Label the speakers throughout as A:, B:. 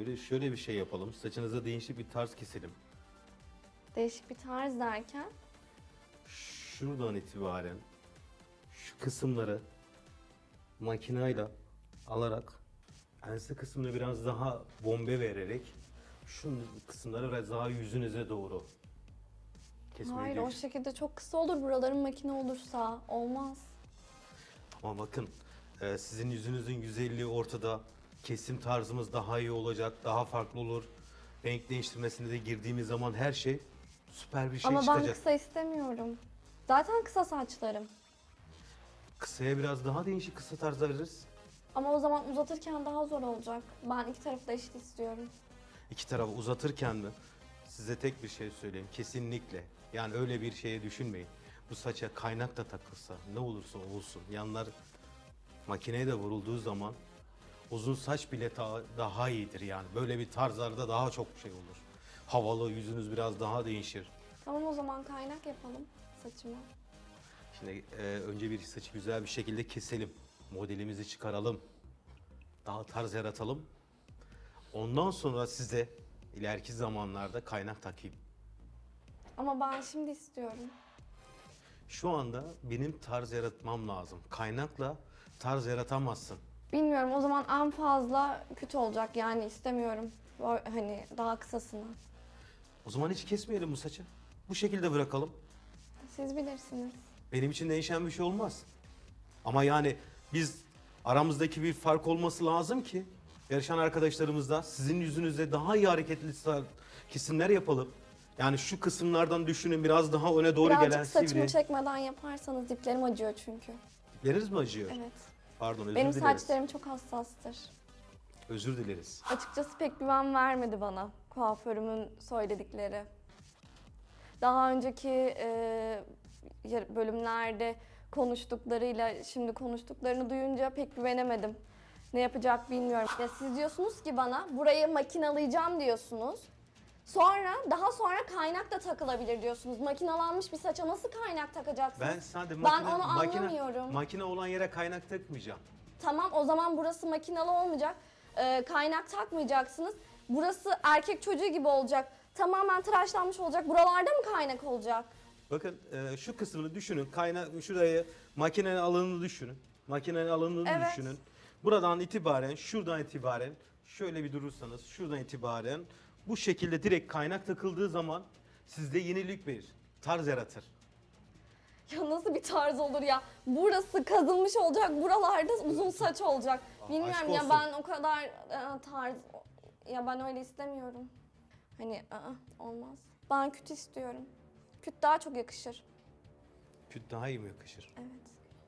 A: şöyle bir şey yapalım. Saçınıza değişik bir tarz keselim.
B: Değişik bir tarz derken.
A: Şuradan itibaren şu kısımları makinayla alarak ense kısmını biraz daha bombe vererek şu kısımları biraz daha yüzünüze doğru kesmeyi
B: Hayır, o
A: değiş-
B: şekilde çok kısa olur. Buraların makine olursa olmaz.
A: Ama bakın sizin yüzünüzün güzelliği ortada. Kesim tarzımız daha iyi olacak, daha farklı olur. Renk değiştirmesine de girdiğimiz zaman her şey süper bir şey
B: Ama ben
A: çıkacak.
B: kısa istemiyorum. Zaten kısa saçlarım.
A: Kısaya biraz daha değişik kısa tarzlar veririz.
B: Ama o zaman uzatırken daha zor olacak. Ben iki tarafı da eşit istiyorum.
A: İki tarafı uzatırken mi? Size tek bir şey söyleyeyim. Kesinlikle. Yani öyle bir şeye düşünmeyin. Bu saça kaynak da takılsa ne olursa olsun yanlar makineye de vurulduğu zaman uzun saç bile daha iyidir yani. Böyle bir tarzlarda daha çok şey olur. Havalı, yüzünüz biraz daha değişir.
B: Tamam, o zaman kaynak yapalım saçıma.
A: Şimdi önce bir saçı güzel bir şekilde keselim. Modelimizi çıkaralım. Daha tarz yaratalım. Ondan sonra size ileriki zamanlarda kaynak takayım.
B: Ama ben şimdi istiyorum.
A: Şu anda benim tarz yaratmam lazım. Kaynakla tarz yaratamazsın.
B: Bilmiyorum, o zaman en fazla kötü olacak, yani istemiyorum. Hani daha kısasını.
A: O zaman hiç kesmeyelim bu saçı. Bu şekilde bırakalım.
B: Siz bilirsiniz.
A: Benim için değişen bir şey olmaz. Ama yani biz aramızdaki bir fark olması lazım ki yarışan arkadaşlarımızla sizin yüzünüzde daha iyi hareketli kesimler yapalım. Yani şu kısımlardan düşünün biraz daha öne doğru
B: Birazcık
A: gelen
B: saçımı
A: sivri.
B: çekmeden yaparsanız diplerim acıyor çünkü.
A: Dipleriniz mi acıyor?
B: Evet.
A: Pardon özür
B: Benim
A: dileriz.
B: saçlarım çok hassastır.
A: Özür dileriz.
B: Açıkçası pek güven vermedi bana kuaförümün söyledikleri. Daha önceki bölümlerde konuştuklarıyla şimdi konuştuklarını duyunca pek güvenemedim. Ne yapacak bilmiyorum. Ya siz diyorsunuz ki bana burayı makinalayacağım diyorsunuz. Daha sonra kaynak da takılabilir diyorsunuz. Makinalanmış bir saça nasıl kaynak takacaksınız?
A: Ben sadece
B: Ben onu anlamıyorum.
A: makine olan yere kaynak takmayacağım.
B: Tamam, o zaman burası makinalı olmayacak. Kaynak takmayacaksınız. Burası erkek çocuğu gibi olacak. Tamamen tıraşlanmış olacak. Buralarda mı kaynak olacak?
A: Bakın şu kısmını düşünün. Şurayı makinenin alanını düşünün. Makinenin alanını
B: Evet.
A: düşünün. Buradan itibaren, şuradan itibaren şöyle bir durursanız şuradan itibaren bu şekilde direkt kaynak takıldığı zaman sizde yenilik verir. Tarz yaratır.
B: Ya nasıl bir tarz olur ya? Burası kazınmış olacak. Buralarda uzun saç olacak. Bilmiyorum
A: aşk
B: ya,
A: olsun.
B: ben o kadar tarz... Ya ben öyle istemiyorum. Hani olmaz. Ben küt istiyorum. Küt daha çok yakışır.
A: Küt daha iyi mi yakışır?
B: Evet.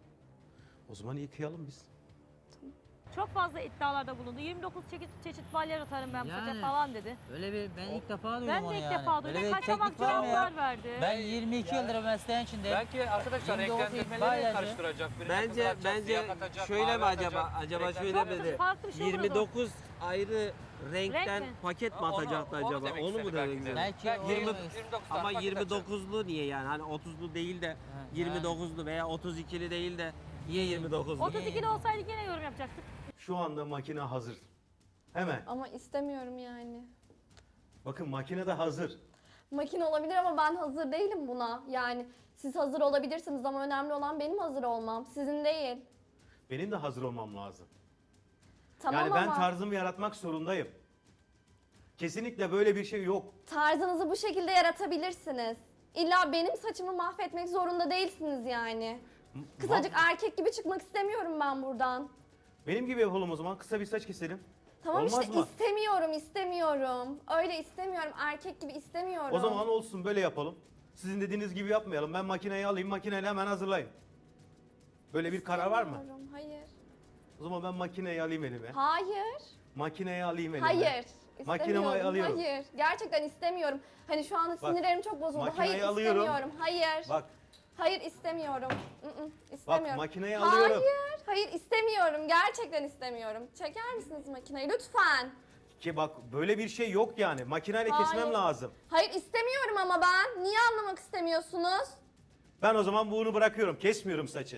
A: O zaman yıkayalım biz.
C: Çok fazla iddialarda bulundu. 29 çeşit balya atarım ben bu saça
D: Yani.
C: falan dedi.
D: Öyle bir ben ilk defa duydum
C: Ben
D: onu
C: de ilk
D: yani.
C: defa
D: Öyle
C: duydum.
D: bir
C: Kaçamak
D: teknik var mı ya?
C: cevaplar verdi.
D: Ben 22 yıldır mesleğin içindeyim.
E: Belki arkadaşlar
D: 29
E: renklendirmeleri
D: balyacı.
E: karıştıracak. Birine
F: Bence
E: kızartacak, siyah katacak,
F: şöyle mi
E: mavi
F: acaba?
E: atacak,
F: Acaba şöyle
E: renklendirme-
F: mi dedi?
C: Farklı bir şey olurdu.
F: 29 ayrı renkten
C: Renk mi?
F: paket mi
E: Onu-
F: atacaktı
E: onu
F: acaba?
E: demek
F: Onu mu
E: istedi
F: demek
E: belki de.
F: istedi?
D: Belki
E: Belki
D: o
F: 20
D: demek
E: 29
F: Ama
E: tane paket atacak.
F: 29'lu niye yani? Hani 30'lu değil de
D: yani.
F: 29'lu veya 32'li değil de niye 29'lu?
C: 32'li olsaydı yine yorum yapacaktık.
A: Şu anda makine hazır. Hemen.
B: Ama istemiyorum yani.
A: Bakın makine de hazır.
B: Makine olabilir ama ben hazır değilim buna. Yani siz hazır olabilirsiniz ama önemli olan benim hazır olmam. Sizin değil.
A: Benim de hazır olmam lazım.
B: Tamam
A: Yani ben
B: ama
A: tarzımı yaratmak zorundayım. Kesinlikle böyle bir şey yok.
B: tarzınızı bu şekilde yaratabilirsiniz. İlla benim saçımı mahvetmek zorunda değilsiniz yani. Kısacık erkek gibi çıkmak istemiyorum ben buradan.
A: Benim gibi yapalım o zaman. Kısa bir saç keselim.
B: Tamam
A: Olmaz
B: işte
A: mı?
B: istemiyorum. Öyle istemiyorum. Erkek gibi istemiyorum.
A: O zaman olsun böyle yapalım. Sizin dediğiniz gibi yapmayalım. Ben makineyi alayım, makineyle hemen hazırlayın. Böyle bir karar var mı?
B: İstemiyorum, hayır.
A: O zaman ben makineyi alayım elime.
B: Hayır.
A: Makineyi alayım elime.
B: Hayır.
A: Makinemi
B: İstemiyorum.
A: alıyorum.
B: Hayır. Gerçekten istemiyorum. Hani şu anda
A: Bak,
B: sinirlerim çok bozuldu.
A: makineyi
B: Hayır
A: alıyorum.
B: istemiyorum. Hayır.
A: Bak,
B: Hayır istemiyorum. İstemiyorum.
A: makineyi alıyorum.
B: Hayır istemiyorum. Gerçekten istemiyorum. Çeker misiniz makineyi lütfen?
A: ki bak böyle bir şey yok yani. Makineyle
B: Hayır.
A: kesmem lazım.
B: Hayır istemiyorum ama ben. Niye anlamak istemiyorsunuz?
A: Ben o zaman bunu bırakıyorum. Kesmiyorum saçı.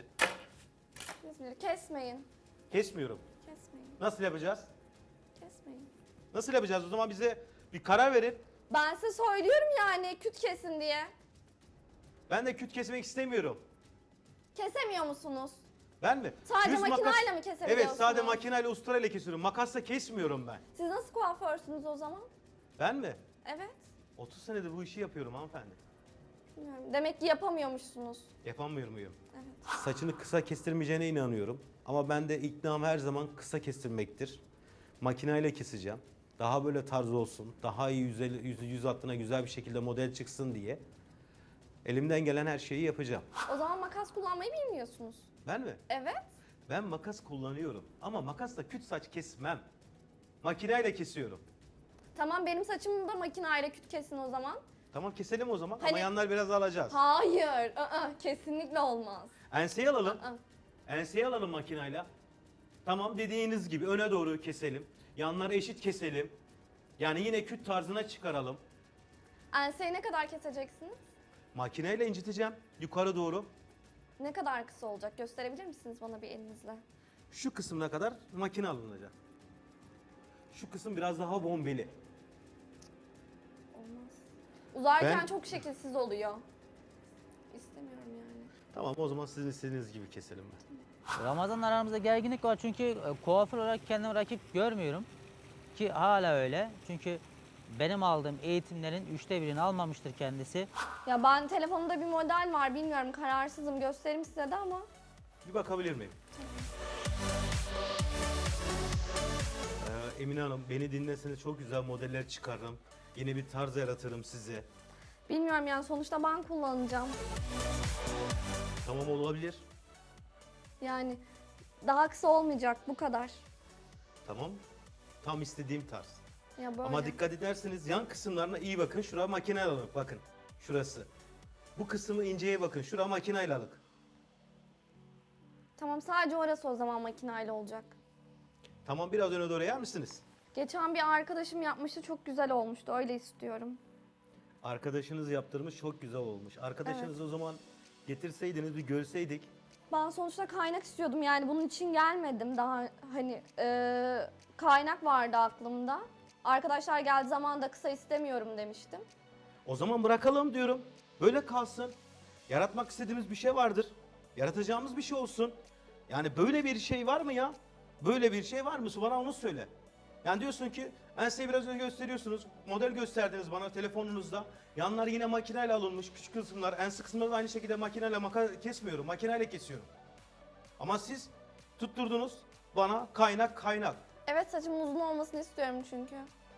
B: Siz bilir. Kesmeyin.
A: Kesmiyorum.
B: Kesmeyin.
A: Nasıl yapacağız?
B: Kesmeyin.
A: Nasıl yapacağız? O zaman bize bir karar verin.
B: Ben size söylüyorum yani küt kesin diye.
A: Ben de küt kesmek istemiyorum.
B: Kesemiyor musunuz?
A: Ben mi?
B: Sadece
A: Düz
B: makinayla mı kesebiliyorsunuz?
A: Evet, sadece makinayla usturayla kesiyorum. Makasla kesmiyorum ben.
B: Siz nasıl kuaförsünüz o zaman?
A: Ben mi?
B: Evet.
A: 30 senedir bu işi yapıyorum hanımefendi.
B: Bilmiyorum. Demek ki yapamıyormuşsunuz.
A: Yapamıyor muyum?
B: Evet.
A: Saçını kısa kestirmeyeceğine inanıyorum. Ama ben de iknam her zaman kısa kestirmektir. Makinayla keseceğim. Daha böyle tarz olsun. Daha iyi yüz hattına güzel bir şekilde model çıksın diye. Elimden gelen her şeyi yapacağım.
B: O zaman makas kullanmayı bilmiyorsunuz.
A: Ben mi?
B: Evet.
A: Ben makas kullanıyorum. Ama makasla küt saç kesmem. Makinayla kesiyorum.
B: Tamam benim saçımı da makinayla küt kesin o zaman.
A: Tamam keselim o zaman ama
B: Hani-
A: yanlar biraz alacağız.
B: Hayır. Kesinlikle olmaz.
A: Enseyi alalım.
B: Aa.
A: Enseyi alalım makinayla. Tamam dediğiniz gibi öne doğru keselim. Yanları eşit keselim. Yani yine küt tarzına çıkaralım.
B: Enseyi ne kadar keseceksiniz?
A: Makineyle inciteceğim yukarı doğru.
B: Ne kadar kısa olacak? Gösterebilir misiniz bana bir elinizle?
A: Şu kısmına kadar makine alınacak. Şu kısım biraz daha bombeli.
B: Olmaz. Uzarken
A: Ben-
B: çok şekilsiz oluyor. İstemiyorum yani.
A: Tamam o zaman sizin istediğiniz gibi keselim ben.
D: Ramazan'la aramızda gerginlik var çünkü kuaför olarak kendimi rakip görmüyorum. Ki hala öyle. Çünkü benim aldığım eğitimlerin 1/3'ünü almamıştır kendisi.
B: Ya ben telefonumda bir model var bilmiyorum kararsızım göstereyim size de ama.
A: Bir bakabilir miyim? Emine Hanım beni dinleseniz çok güzel modeller çıkarırım. Yeni bir tarz yaratırım size.
B: Bilmiyorum yani sonuçta ben kullanacağım.
A: Tamam olabilir.
B: Yani daha kısa olmayacak bu kadar.
A: Tamam. Tam istediğim tarz.
B: Ya böyle.
A: Ama dikkat ederseniz yan kısımlarına iyi bakın. Şura makine alık. Bakın. Şurası. Bu kısmı inceye bakın. Şura makineyle alık.
B: Tamam sadece orası o zaman makinayla olacak.
A: Tamam biraz öne doğru yer misiniz?
B: Geçen bir arkadaşım yapmıştı çok güzel olmuştu öyle istiyorum.
A: Arkadaşınız yaptırmış çok güzel olmuş. Arkadaşınızı o zaman getirseydiniz bir görseydik.
B: Ben sonuçta kaynak istiyordum yani bunun için gelmedim. Daha hani kaynak vardı aklımda. Arkadaşlar geldiği zaman da kısa istemiyorum demiştim.
A: O zaman bırakalım diyorum. Böyle kalsın. Yaratmak istediğimiz bir şey vardır. Yaratacağımız bir şey olsun. Yani böyle bir şey var mı ya? Böyle bir şey var mı? Bana onu söyle. Yani diyorsun ki enseyi biraz önce gösteriyorsunuz. Model gösterdiniz bana telefonunuzda. Yanlar yine makineyle alınmış. Küçük kısımlar. Ense kısımları da aynı şekilde makineyle kesmiyorum. Makineyle kesiyorum. Ama siz tutturdunuz bana kaynak.
B: Evet saçımın uzun olmasını istiyorum çünkü.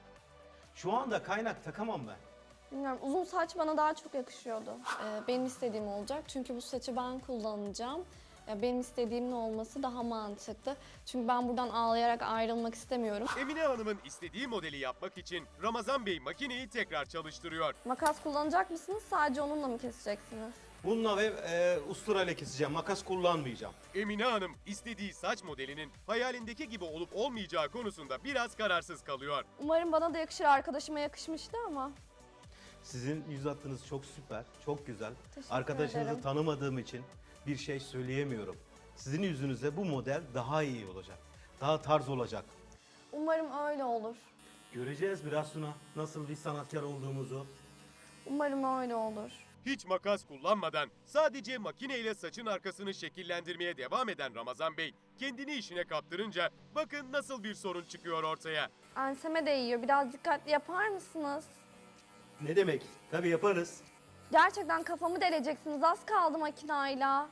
A: Şu anda kaynak takamam ben.
B: Bilmiyorum uzun saç bana daha çok yakışıyordu. Benim istediğim olacak çünkü bu saçı ben kullanacağım. Benim istediğimin olması daha mantıklı. Çünkü ben buradan ağlayarak ayrılmak istemiyorum.
G: Emine Hanım'ın istediği modeli yapmak için Ramazan Bey makineyi tekrar çalıştırıyor.
B: Makas kullanacak mısınız? Sadece onunla mı keseceksiniz?
A: Bununla ve usturayla keseceğim. Makas kullanmayacağım.
G: Emine Hanım istediği saç modelinin hayalindeki gibi olup olmayacağı konusunda biraz kararsız kalıyor.
B: Umarım bana da yakışır. Arkadaşıma yakışmıştı ama.
A: Sizin yüz hattınız çok süper, çok güzel.
B: Teşekkür
A: Arkadaşınızı
B: ederim.
A: tanımadığım için bir şey söyleyemiyorum. Sizin yüzünüzde bu model daha iyi olacak. Daha tarz olacak.
B: Umarım öyle olur.
A: Göreceğiz biraz sonra nasıl bir sanatkar olduğumuzu.
B: Umarım öyle olur.
G: Hiç makas kullanmadan sadece makineyle saçın arkasını şekillendirmeye devam eden Ramazan Bey kendini işine kaptırınca bakın nasıl bir sorun çıkıyor ortaya.
B: Enseme değiyor. Biraz dikkatli yapar mısınız?
A: Ne demek? Tabii yaparız.
B: Gerçekten kafamı deleceksiniz. Az kaldı makinayla.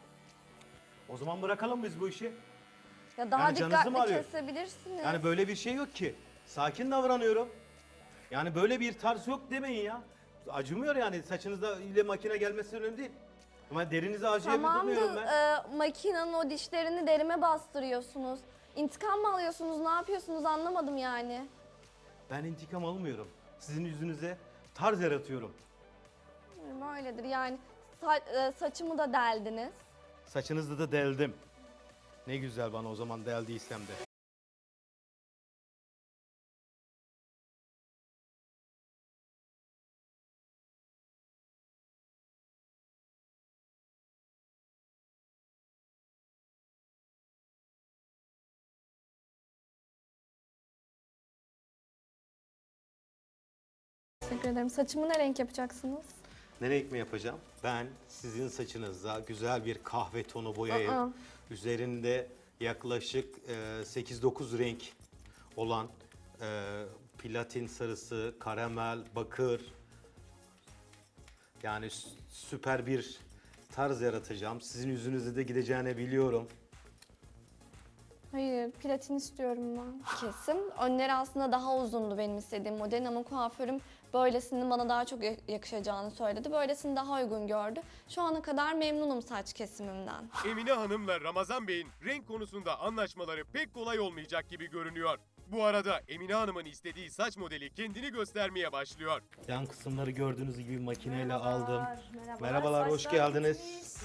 A: O zaman bırakalım biz bu işi.
B: Ya daha
A: Yani canınızı mı
B: dikkatli
A: alıyor?
B: kesebilirsiniz.
A: Yani böyle bir şey yok ki. Sakin davranıyorum. Yani böyle bir tarz yok demeyin ya. Acımıyor yani saçınızda ile makine gelmesi önemli değil. Ama derinizi acıyabilir
B: Tamam
A: durmuyorum ben.
B: da makinenin o dişlerini derime bastırıyorsunuz. İntikam mı alıyorsunuz? Ne yapıyorsunuz anlamadım yani.
A: Ben intikam almıyorum. Sizin yüzünüze tarz yaratıyorum.
B: Öyledir yani saçımı da deldiniz.
A: Saçınızda da deldim. Ne güzel bana o zaman deldiysem de.
B: Teşekkür ederim. Saçımı ne renk yapacaksınız?
A: Ne renk mi yapacağım? Ben sizin saçınıza güzel bir kahve tonu boyayıp
B: Aa.
A: üzerinde yaklaşık 8-9 renk olan platin sarısı, karamel, bakır, yani süper bir tarz yaratacağım. Sizin yüzünüze de gideceğini biliyorum.
B: Hayır, platin istiyorum ben. Kesim. Önleri aslında daha uzundu benim istediğim modelin ama kuaförüm böylesinin bana daha çok yakışacağını söyledi. Böylesini daha uygun gördü. Şu ana kadar memnunum saç kesimimden.
G: Emine Hanım'la Ramazan Bey'in renk konusunda anlaşmaları pek kolay olmayacak gibi görünüyor. Bu arada Emine Hanım'ın istediği saç modeli kendini göstermeye başlıyor.
A: Yan kısımları gördüğünüz gibi makineyle aldım.
C: Merhabalar.
A: Merhabalar, hoş
C: Saçlar
A: geldiniz.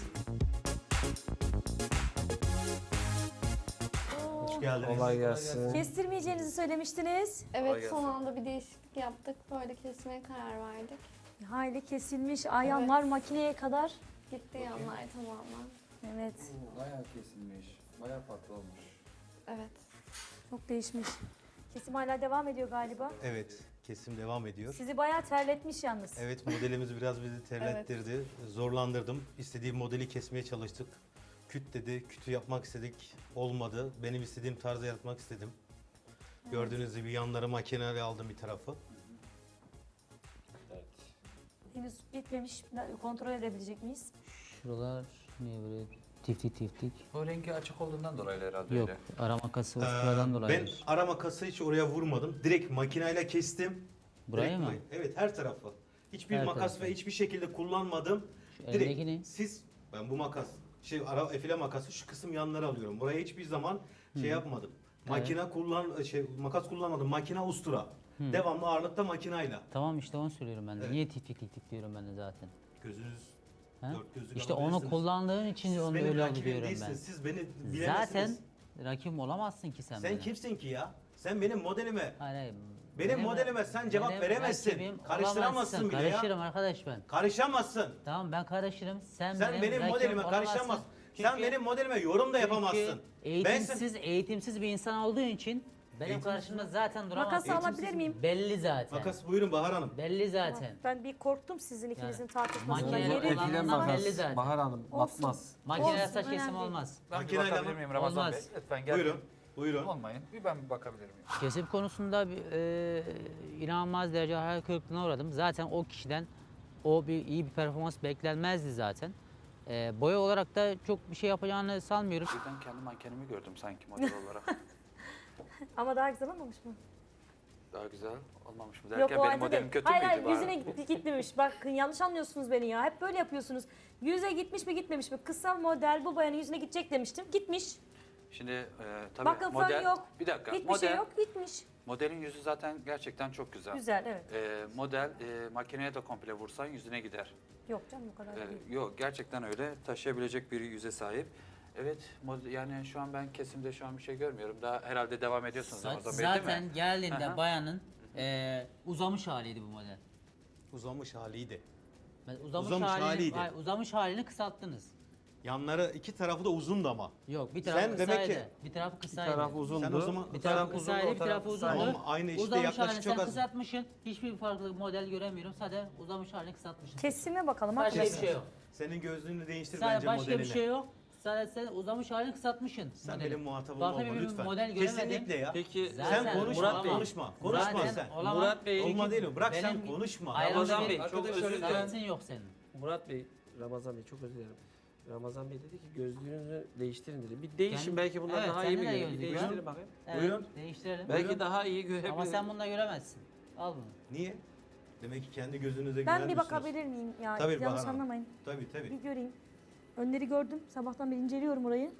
A: Hoş geldiniz.
F: Kolay gelsin.
C: Kestirmeyeceğinizi söylemiştiniz.
B: Evet, son anda bir değişiklik yaptık. Böyle kesmeye karar verdik.
C: Hayli kesilmiş. Ayağlar makineye kadar.
B: Gitti yanlar tamamen.
C: Evet.
E: Bayağı kesilmiş. Bayağı farklı olmuş.
B: Evet.
C: Çok değişmiş. Kesim hala devam ediyor galiba.
A: Evet, kesim devam ediyor.
C: Sizi bayağı terletmiş yalnız.
A: Evet, modelimiz biraz bizi terlettirdi. Zorlandırdım. İstediğim modeli kesmeye çalıştık. Küt dedi, kütü yapmak istedik. Olmadı. Benim istediğim tarzı yaratmak istedim. Gördüğünüz gibi yanları makineyle aldım bir tarafı.
C: Henüz bitmemiş. Kontrol edebilecek miyiz?
D: Şuralar niye böyle tiftik tiftik?
E: O rengi açık olduğundan dolayı herhalde
D: Yok,
E: öyle.
D: ara makası usturadan dolayı.
A: Ben ara makası hiç oraya vurmadım. Direkt makineyle kestim.
D: Burayı
A: Direkt
D: mı?
A: Evet, her tarafı. Hiçbir
D: Her
A: makas
D: tarafı.
A: ve hiçbir şekilde kullanmadım.
D: Şu
A: Direkt
D: eldeki ne?
A: ben bu makas, efile makası şu kısım yanları alıyorum. Buraya hiçbir zaman şey yapmadım. Makas kullanmadım. Makine ustura. Devamlı ağırlıkta makinayla.
D: Tamam işte onu söylüyorum ben de. Niye tiftik tiftik diyorum ben de zaten.
A: Gözünüz
D: Ha?
A: dört gözlü
D: İşte onu
A: alabilirsiniz.
D: kullandığın için
A: Siz
D: onu
A: benim
D: öyle
A: rakibim
D: diyorum ben.
A: değilsiniz. Siz beni bilemezsiniz.
D: Zaten rakibim olamazsın ki sen
A: Sen
D: benim.
A: kimsin ki ya? Sen benim modelime,
D: Hayır, hayır.
A: benim modelime sen cevap
D: benim
A: veremezsin.
D: rakibim
A: Karıştıramazsın
D: olamazsın.
A: bile ya.
D: Karışırım arkadaş ben.
A: Karışamazsın.
D: Tamam ben karışırım. Sen
A: Sen benim
D: rakibim
A: modelime
D: olamazsın.
A: karışamazsın. Sen
D: Çünkü-
A: benim modelime yorum da yapamazsın.
D: Çünkü eğitimsiz bir insan olduğun için benim
A: Eğitimsiz
D: karşımda zaten duramazsın.
C: Makası alabilir miyim?
D: Belli zaten.
A: Makas buyurun Bahar Hanım.
D: Belli zaten.
C: Ben bir korktum sizin ikinizin tartışmasından.
D: makineyle
C: Yeri
D: olan-
F: Efilen
D: Kullanılan
F: makas.
D: belli zaten.
F: Bahar Hanım
C: Olsun.
F: batmaz.
D: Makinede
C: Olsun,
D: saç
C: önemli
D: kesimi
C: değil.
D: olmaz.
E: Ben bir
A: Makineyle
E: bakabilir
A: mi?
E: miyim Ramazan
D: Olmaz.
E: Bey? Lütfen gel.
A: Buyurun. Buyurun.
E: Olmayın. Ben bir bakabilir miyim?
D: Kesim konusunda inanılmaz derece hayal kırıklığına uğradım. Zaten o kişiden iyi bir performans beklenmezdi zaten. Boya olarak da çok bir şey yapacağını sanmıyorum.
E: Birden kendi mankenimi gördüm sanki model olarak.
C: Ama daha güzel olmamış mı?
E: Daha güzel olmamış mı
C: Yok
E: derken
C: o
E: benim
C: halde
E: modelim
C: değil.
E: kötü
C: Hayır
E: müydü?
C: hayır
E: bari?
C: yüzüne gitmemiş. Bakın yanlış anlıyorsunuz beni ya. Hep böyle yapıyorsunuz. Yüze gitmiş mi gitmemiş mi? Kısa model bu bayanın yüzüne gidecek demiştim. Gitmiş.
E: Şimdi tabii
C: Bakın
E: model...
C: fön yok.
E: Bir dakika.
C: Hiçbir şey yok gitmiş.
E: Modelin yüzü zaten gerçekten çok güzel.
C: Güzel evet.
E: Model makineye de komple vursan yüzüne gider.
C: Yok canım o kadar da değil.
E: Yok gerçekten öyle. Taşıyabilecek bir yüze sahip. Evet yani şu an ben kesimde şu an bir şey görmüyorum. Daha herhalde devam ediyorsunuz
D: Saç
E: Ramazan Bey değil mi?
D: zaten geldiğinde
E: Aha.
D: bayanın uzamış haliydi bu model.
A: Uzamış haliydi.
D: Uzamış
A: Uzamış haliydi.
D: Hayır, uzamış halini kısalttınız.
A: Yanları iki tarafı da uzundu ama.
D: Yok bir tarafı
A: Sen demek
D: kısaydı.
A: ki-
D: Bir tarafı
F: Bir
D: kısaydı.
F: taraf uzundu.
A: Sen o zaman-
D: Bir tarafı
F: uzundu,
D: kısaydı,
F: o
D: bir tarafı uzundu.
A: Tamam, aynı işte
D: Uzamış
A: yaklaşık
D: halini
A: çok
D: sen
A: az.
D: kısaltmışsın. Hiçbir farklı model göremiyorum. Sadece uzamış halini kısaltmışsın.
C: Kesime bakalım
D: Başka bir
C: arkadaşlar.
D: şey yok.
A: Senin gözlüğünü değiştir
D: Sadece
A: bence
D: başka
A: modeline.
D: bir şey yok. Sadece sen uzamış halini kısaltmışsın.
A: Sen
D: modeli.
A: benim muhatabım
D: Farklı
A: olma
D: bir
A: lütfen.
D: model göremedim.
A: Kesinlikle ya.
F: Peki
D: Zaten
A: Sen konuşma,
F: Murat Bey,
A: konuşma. Konuşma
D: Zaten
A: sen.
D: olamam.
F: Murat Bey,
A: Olma değil mi? Bırak sen
D: Benim-
A: konuşma.
D: Ayrılmış
F: Ramazan
D: bir
F: Bey, çok özür dilerim.
D: şartın yok senin.
F: Murat Bey, Ramazan Bey çok özür dilerim. Ramazan Bey dedi ki gözlüğünüzü değiştirin dedi. Bir değişin
D: Kendi-
F: belki bunlar
D: Evet,
F: daha iyi mi
D: kendi de
F: görür? Bir
D: gözlüğü.
F: değiştirin bakayım.
D: Evet,
A: Buyurun.
D: değiştirelim.
F: Belki daha iyi görebilir.
D: Ama sen bununla göremezsin. Al bunu.
A: Niye? Demek ki kendi gözünüze
C: Ben bir
A: güvenmiyorsunuz.
C: bakabilir miyim ya?
A: Tabii,
C: Yanlış
A: Bahar Hanım.
C: anlamayın.
A: Tabii tabii.
C: Bir göreyim. Önleri gördüm. Sabahtan beri inceliyorum orayı.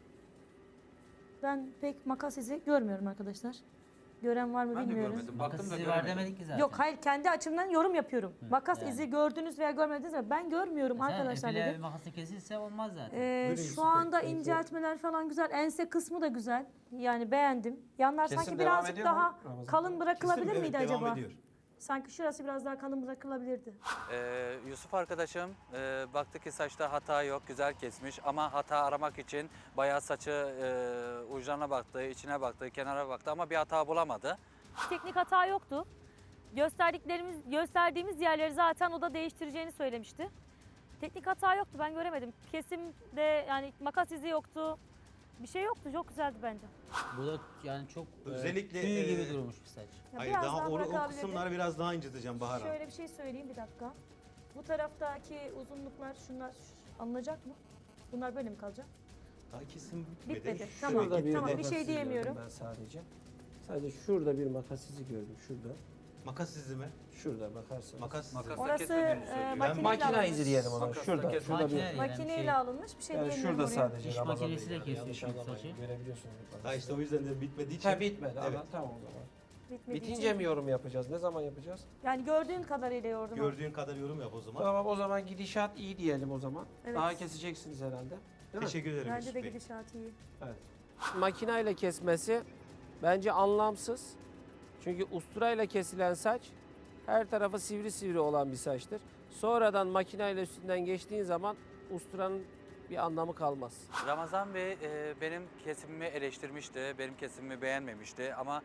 C: Ben pek makas izi görmüyorum arkadaşlar. Gören var mı
E: Ben de
C: bilmiyorum.
E: görmedim.
D: Makas
E: Baktım da
D: izi var
E: göremedim.
D: demedik ki zaten.
C: Yok hayır kendi açımdan yorum yapıyorum. Makas
D: yani.
C: izi gördünüz veya görmediniz mi? Ben görmüyorum
D: Sen
C: arkadaşlar
D: efile
C: dedim.
D: makası kesilse olmaz zaten.
A: Yusuf
C: Şu
A: Bey,
C: anda
A: ense-
C: inceltmeler falan güzel. Ense kısmı da güzel. Yani beğendim. Yanlar
E: Kesim
C: sanki
E: devam
C: birazcık
E: ediyor mu
C: daha
F: Ramazan
C: kalın bırakılabilir
A: Kesin,
C: miydi
A: evet,
C: acaba?
A: devam ediyor.
C: Sanki şurası biraz daha kalın bırakılabilirdi.
E: Yusuf arkadaşım baktı ki saçta hata yok, güzel kesmiş ama hata aramak için bayağı saçı ucuna baktı, içine baktı, kenara baktı ama bir hata bulamadı.
C: Teknik hata yoktu. gösterdiğimiz yerleri zaten o da değiştireceğini söylemişti. Teknik hata yoktu, ben göremedim. Kesimde yani makas izi yoktu. Bir şey yoktu, çok güzeldi bence.
D: Bu da yani çok
A: Özellikle,
D: tüy gibi durmuş bir saç.
C: Ya
A: Hayır
C: biraz
A: daha o
C: bırakabilirdi.
A: kısımları biraz daha inciteceğim Bahar Hanım.
C: Şöyle bir şey söyleyeyim, bir dakika. Bu taraftaki uzunluklar, şunlar alınacak mı? Bunlar böyle mi kalacak?
A: Daha kesim bitmedi.
C: Bitmedi.
A: Şurada
C: Tamam,
A: gitmedi.
C: tamam, bir
F: makas
C: şey
F: izi gördüm
C: diyemiyorum.
F: Ben sadece. Sadece şurada bir makas izi gördüm. Şurada.
A: Makas izi mi?
F: Şurada bakarsanız.
A: Makas izi.
E: Makas-
C: Orası
E: kesmediğini söylüyor.
C: makineyle
F: Makine
C: alınmış.
F: izi diyelim ona.
E: Makasla
F: Şurada.
E: kes-
F: Şurada bir.
D: Makine-
C: Makineyle alınmış bir şey
F: Yani
C: diyemiyorum
F: şurada
C: oraya.
F: sadece
D: İş
F: Ramazan
D: makinesiyle
F: Bey,
D: kesiyorsun
F: yanlış anlamayın.
D: saçı.
F: Görebiliyorsunuz.
A: Ha işte o yüzden de bitmediği için.
F: Ha bitmedi.
A: Evet.
F: Evet. Tamam o zaman.
C: Bitmediği
F: Bitince
C: için.
F: mi yorum yapacağız? Ne zaman yapacağız?
C: Yani gördüğün kadarıyla yordum.
A: Gördüğün kadar yorum yap o zaman.
F: Tamam o zaman gidişat iyi diyelim o zaman.
C: Evet.
F: Daha keseceksiniz herhalde. Değil mi?
A: Teşekkür ederim
C: Bence
A: Yusuf
C: de
A: Bey.
C: gidişat iyi.
F: Makinayla kesmesi bence anlamsız. Çünkü usturayla kesilen saç her tarafı sivri sivri olan bir saçtır. Sonradan makinayla üstünden geçtiğin zaman usturanın bir anlamı kalmaz.
E: Ramazan Bey benim kesimimi eleştirmişti, benim kesimimi beğenmemişti ama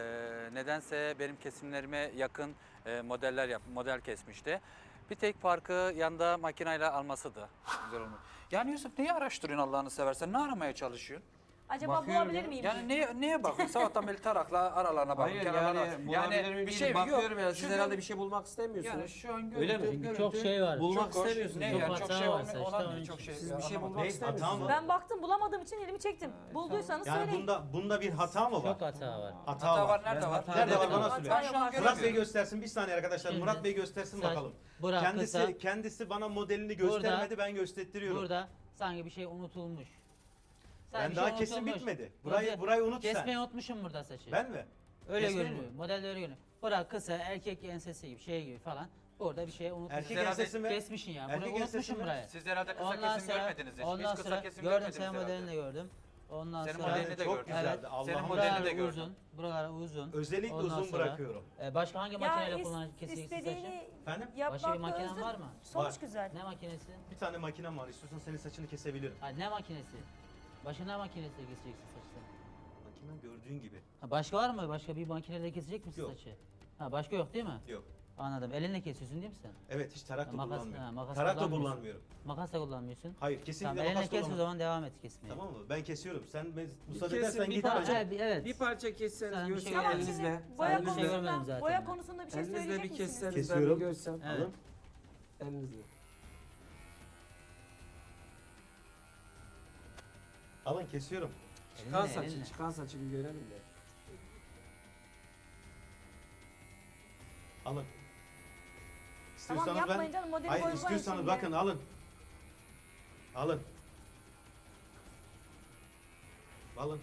E: nedense benim kesimlerime yakın model kesmişti. Bir tek farkı yanda makinayla almasıydı. Güzel olmuş. Yani Yusuf neyi araştırıyorsun Allah'ını seversen? Ne aramaya çalışıyorsun?
C: Acaba
F: Bakıyorum
C: bulabilir
F: ya.
C: miyim?
E: Yani neye bakıyorsun? Sabahtan beri tarakla aralarına bakıyorsun.
F: Hayır
E: kenarlarına
F: yani
E: bak.
F: bulabilir miyim?
E: bir şey
F: Bakıyorum yani
E: Şu
F: siz herhalde
E: gör-
F: bir şey bulmak istemiyorsunuz.
E: Yani şu an
F: Öyle mi?
E: görüntü-
D: Çünkü çok
E: görüntü-
D: şey var.
F: Bulmak
E: Çok hoş.
F: istemiyorsunuz.
E: Ne
D: Çok
E: yani
D: hata
E: çok şey
D: var
E: olmuyor.
D: saçta,
E: Olan
D: onun
E: değil,
D: için.
E: çok şey.
F: Siz bir şey
E: anlamadım.
F: bulmak
A: Ne,
F: istemiyorsunuz.
A: hata mı?
C: Ben baktım, bulamadığım için elimi çektim. Bulduysanız
A: Yani
C: söyleyin.
A: bunda bir hata mı var?
D: Çok hata var.
A: Hata var.
E: Nerede var?
A: Nerede var? Bana
C: Hata
A: söyle.
E: Ben şu an
C: yok.
A: Murat Bey
E: göremiyorum.
A: göstersin. Bir saniye arkadaşlar.
D: Şimdi
A: Murat Bey göstersin
D: saç
A: bakalım.
D: bırak kısa.
A: Kendisi bana modelini göstermedi. Ben gösteriyorum.
D: Burada sanki bir şey unutulmuş.
A: Ben
D: bir
A: daha
D: şey
A: kesim
D: unutulmuş.
A: bitmedi.
D: Burada
A: Burayı unut sen.
D: Kesmeyi unutmuşum burada saçı.
A: Ben mi?
D: Öyle
A: kesmeyi
D: görünüyor. Modelde öyle görünüyor. Bırak kısa erkek ensesi gibi şey gibi falan. Burada bir şey unutmuşsun.
A: Erkek
E: herhalde
A: ensesi mi?
D: Kesmişsin ya.
A: Erkek
D: Burayı
A: ensesi
D: unutmuşum
A: mi?
D: burayı.
E: Siz herhalde kısa
D: Ondan
E: kesim
D: sonra-
E: görmediniz hiç.
D: Ondan
E: Hiç kısa
D: sonra
E: kesim
D: gördüm,
E: görmediniz
D: senin
E: herhalde.
D: modelini de gördüm. Ondan
E: Senin
D: sonra
E: modelini de
A: çok
E: gördüm.
A: güzeldi.
D: Evet.
A: Allah'ım.
E: Senin
D: buralar
E: modelini de gördüm.
D: uzun. Buralar uzun.
A: Özellikle
D: Ondan
A: uzun
D: sonra-
A: bırakıyorum.
D: Başka hangi
C: Ya
D: makineyle kesileceksin saçı?
C: istediğini
A: Efendim?
C: yapmakla
D: Başka bir makinen
C: özür-
D: var mı?
C: Sonuç
A: Var.
C: güzel.
D: Ne makinesi?
A: Bir tane makinem var. İstiyorsan senin saçını kesebilirim.
D: Ha, ne makinesi? Başka ne makinesiyle keseceksin saçı sen?
A: Makinem gördüğün gibi.
D: Ha, başka var mı? Başka bir makineyle kesecek misin
A: Yok.
D: saçı? Ha, başka yok değil mi?
A: Yok.
D: Anladım. Elinle kesiyorsun değil mi sen?
A: Evet hiç tarak da
D: Makas-
A: kullanmıyorum.
D: ha, makas
A: Tarak da
D: kullanmıyorsun.
A: kullanmıyorum.
D: Makas da kullanmıyorsun.
A: Hayır
D: Tamam,
A: kesinlikle
D: elinle
A: makas
D: kes o
A: kullanmıyorum.
D: zaman devam et kesmeye.
A: Tamam mı? Ben kesiyorum. Sen müsaade
F: kesin,
A: edersen
F: bir
A: git
F: parça.
A: hocam.
D: Evet.
F: Bir parça kesseniz
D: Sen bir şey
F: görsem
C: Tamam,
D: görmedin.
C: şimdi
F: elinizle.
C: boya
D: Sen bir şey görmedin
C: konusunda,
D: zaten.
C: boya konusunda bir şey
F: Elinizle
C: söyleyecek
F: bir
C: misiniz?
F: kesseniz ben
A: Kesiyorum.
F: bir görsem.
D: Evet.
A: Alın.
F: Elinizle.
A: Alın kesiyorum.
F: Çıkan
D: Elinle,
F: saçı,
D: elinle.
F: çıkan saçı bir görelim de.
A: Alın.
C: Tamam
A: İstiyorsanız
C: yapmayın canım, modeli
A: Hayır
C: bozmayın
A: istiyorsanız
C: şimdi.
A: bakın alın. Alın. Alın.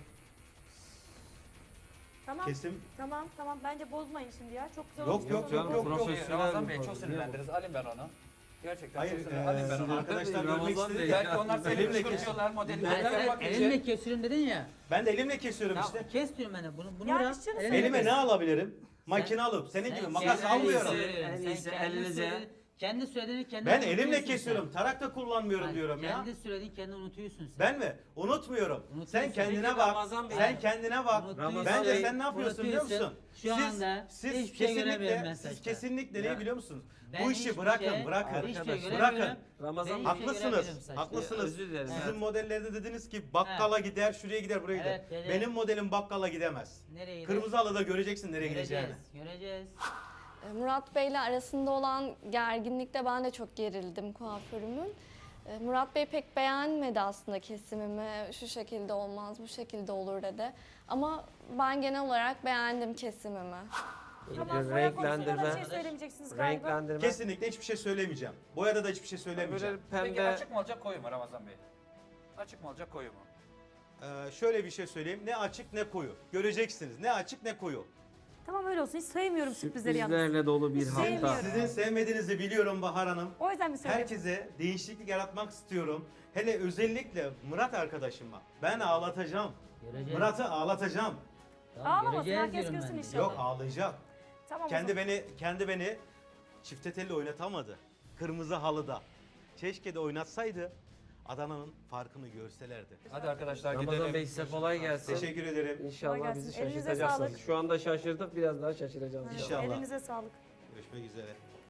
C: Tamam,
A: Kesim.
C: tamam. Bence bozmayın şimdi ya. Çok güzel
A: Yok,
C: olmuş.
A: yok,
C: Tamam.
A: yok, yok.
E: Ramazan Bey çok sinirlendiniz. Alayım ben onu. Gerçekten
A: Hayır,
E: çok sinirlendim. Alayım ben onu.
A: arkadaşlar
F: Ramazan
A: görmek
F: Bey.
A: istedi.
E: Belki onlar seni
A: Elimle
E: kışkırtıyorlar modeli.
D: Ben
E: Neden
D: sen
E: bakınca-
D: elinle kesiyorum dedin ya.
A: Ben de elimle kesiyorum
D: Ya
A: işte.
D: kes diyorum ben de. Bunu
C: Ya
D: bırak.
C: biz şunu
D: elinle
A: Elime
D: kes.
A: ne alabilirim? Makine alıp senin gibi makas
D: sen-
A: almıyorum.
F: En iyisi elinize.
D: Kendi söylediğini kendi
A: Ben
D: unutuyorsun
A: elimle
D: sen.
A: kesiyorum. Tarak da kullanmıyorum
D: Hayır,
A: diyorum ya.
D: Kendi söylediğini kendi unutuyorsun sen.
A: Ben mi? Unutmuyorum.
D: Unutuyorsun.
A: Sen kendine
F: Peki
A: bak.
F: Ramazan Bey-
A: Sen kendine bak.
D: Unutuyorsun.
A: Bence
F: Bey,
A: sen ne yapıyorsun biliyor
D: unutuyorsun.
A: musun?
D: Şu anda hiçbir şey göremiyorum ben saçta.
A: kesinlikle neyi biliyor musunuz?
D: Ben
A: Bu işi
D: hiçbir
A: bırakın,
D: şey-
A: bırakın.
D: hiçbir şey
F: Arkadaşlar,
D: göremiyorum.
A: bırakın.
F: Ramazan
D: Ben
F: Bey.
D: hiçbir şey göremiyorum
A: Haklısınız.
D: saçta.
A: Haklısınız.
F: Özür dilerim.
A: Sizin
F: Evet.
A: modellerde dediniz ki bakkala gider, şuraya gider, buraya gider.
D: Evet, gelir.
A: Benim modelim bakkala gidemez.
D: Nereye gidiyor?
A: Kırmızı halıda göreceksin nereye gideceğini.
D: Göreceğiz.
B: Murat Bey'le arasında olan gerginlikte ben de çok gerildim kuaförümün. Murat Bey pek beğenmedi aslında kesimimi. Şu şekilde olmaz, bu şekilde olur dedi. Ama ben genel olarak beğendim kesimimi.
C: Tamam, boya konusunda da bir şey söylemeyeceksiniz galiba.
F: Renklendirme.
A: Kesinlikle hiçbir şey söylemeyeceğim. Boyada da hiçbir şey söylemeyeceğim.
F: Böyle
E: Peki
F: pembe.
E: açık mı olacak koyu mu Ramazan Bey? Açık mı olacak koyu mu?
A: Şöyle bir şey söyleyeyim. Ne açık ne koyu. Göreceksiniz. Ne açık ne koyu.
C: Tamam öyle olsun. Hiç sevmiyorum sürprizleri yalnız.
F: Sürprizlerle dolu bir
C: Sevmiyorum.
F: hafta.
A: Sizin sevmediğinizi biliyorum Bahar Hanım.
C: O yüzden mi söylüyorum?
A: Herkese değişiklik yaratmak istiyorum. Hele özellikle Murat arkadaşıma. Ben ağlatacağım.
D: Göreceğiz.
A: Murat'ı ağlatacağım.
D: Tamam,
C: Ağlamasın,
D: göreceğiz
C: herkes
D: diyorum
C: görsün
D: ben de.
C: inşallah.
A: Yok ağlayacak.
C: Tamam o
A: Kendi
C: zaman.
A: beni çifte telli oynatamadı. Kırmızı halıda. Keşke de oynatsaydı. Adana'nın farkını görselerdi.
F: Hadi arkadaşlar Ramazan Bey size kolay gelsin.
A: Teşekkür ederim.
F: İnşallah
C: Kolay
F: bizi
C: gelsin. Elinize
F: şaşırtacaksınız.
C: sağlık.
F: Şu anda şaşırdık, biraz daha şaşıracağız.
A: İnşallah.
C: Elinize sağlık.
A: Görüşmek üzere.